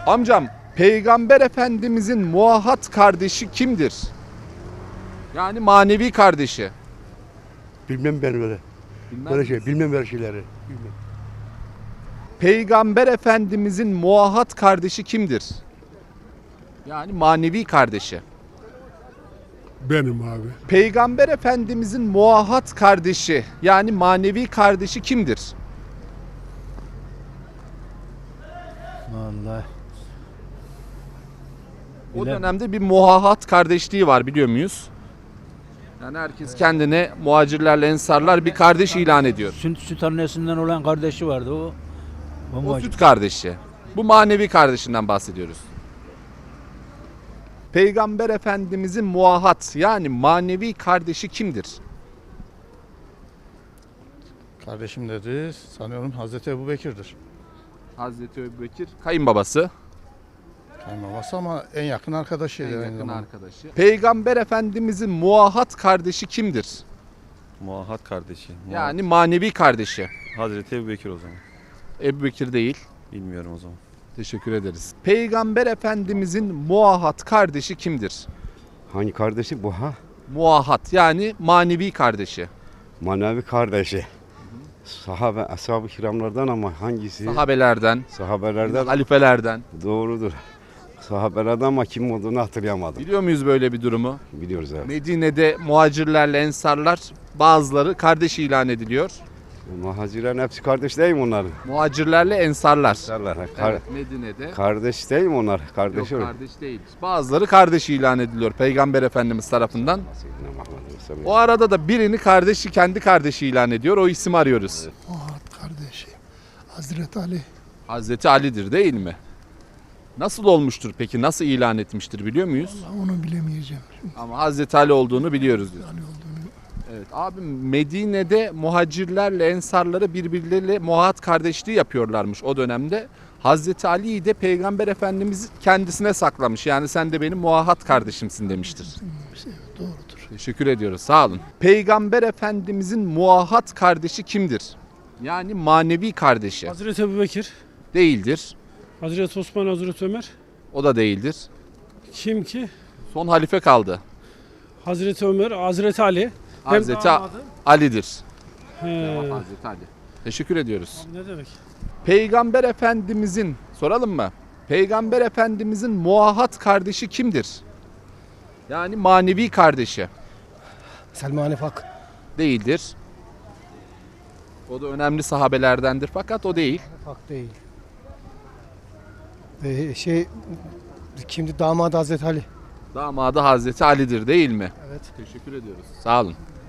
Amcam, Peygamber Efendimizin muahat kardeşi kimdir? Yani manevi kardeşi. Bilmem ben öyle. Bilmem böyle şeyleri. Bilmem. Peygamber Efendimizin muahat kardeşi kimdir? Yani manevi kardeşi. Benim abi. Peygamber Efendimizin muahat kardeşi yani manevi kardeşi kimdir? Vallahi. O dönemde bir muahat kardeşliği var, biliyor muyuz? Yani herkes kendine muhacirlerle ensarlar bir kardeş ilan ediyor. Süt annesinden olan kardeşi vardı o. O süt kardeşi. Bu manevi kardeşinden bahsediyoruz. Peygamber Efendimizin muahat yani manevi kardeşi kimdir? Kardeşim dedi, sanıyorum Hazreti Ebubekir'dir. Hazreti Ebubekir kayınbabası. Kayınbabası ama en yakın arkadaşıydı. En aynı yakın zamanda. arkadaşı. Peygamber Efendimizin muahat kardeşi kimdir? Muahat kardeşi. Yani manevi kardeşi. Hazreti Ebubekir o zaman. Ebubekir değil. Bilmiyorum o zaman. Teşekkür ederiz. Peygamber Efendimizin muahat kardeşi kimdir? Hangi kardeşi bu ha? Muahat yani manevi kardeşi. Manevi kardeşi. Sahabe, ashab-ı kiramlardan ama hangisi? Sahabelerden, Sahabelerden halifelerden. doğrudur. Sahabelerden ama kim olduğunu hatırlayamadım. Biliyor muyuz böyle bir durumu? Biliyoruz evet. Medine'de muhacirlerle ensarlar bazıları kardeş ilan ediliyor. Muhacirlerin hepsi kardeş değil mi onların? Muhacirlerle ensarlar. Evet, Medine'de. kardeş değil mi onlar? Yok, Kardeş olur. kardeş değil. Bazıları kardeş ilan ediliyor Peygamber Efendimiz tarafından. Seyyidina Muhammed Resulullah. O arada da birini kendi kardeşi ilan ediyor. O isim arıyoruz. Muhat kardeşim. Hazreti Ali. Hazreti Ali'dir değil mi? Nasıl olmuştur peki? Nasıl ilan etmiştir biliyor muyuz? Onu bilemeyeceğim. Ama Hazreti Ali olduğunu biliyoruz diyor. Ali olduğunu. Evet abi, Medine'de muhacirlerle ensarları birbirleriyle muahat kardeşliği yapıyorlarmış o dönemde. Hazreti Ali'yi de Peygamber Efendimiz kendisine saklamış. Yani sen de benim muahat kardeşimsin demiştir. Evet, doğrudur. Teşekkür ediyoruz, sağ olun. Peygamber Efendimizin muahat kardeşi kimdir? Yani manevi kardeşi. Hazreti Ebubekir, Değildir. Hazreti Osman, Hazreti Ömer. O da değildir. Kim ki? Son halife kaldı. Hazreti Ömer, Hazreti Ali. Hem Hazreti damadı. Ali'dir. He. Hazreti Ali. Teşekkür ediyoruz. Ne demek? Peygamber Efendimizin, soralım mı? Peygamber Efendimizin muahat kardeşi kimdir? Yani manevi kardeşi. Selman-ı Fak. Değildir. O da önemli sahabelerdendir fakat o değil. Fak değil. Kimdi damadı Hazreti Ali. Damadı Hazreti Ali'dir değil mi? Evet. Teşekkür ediyoruz. Sağ olun.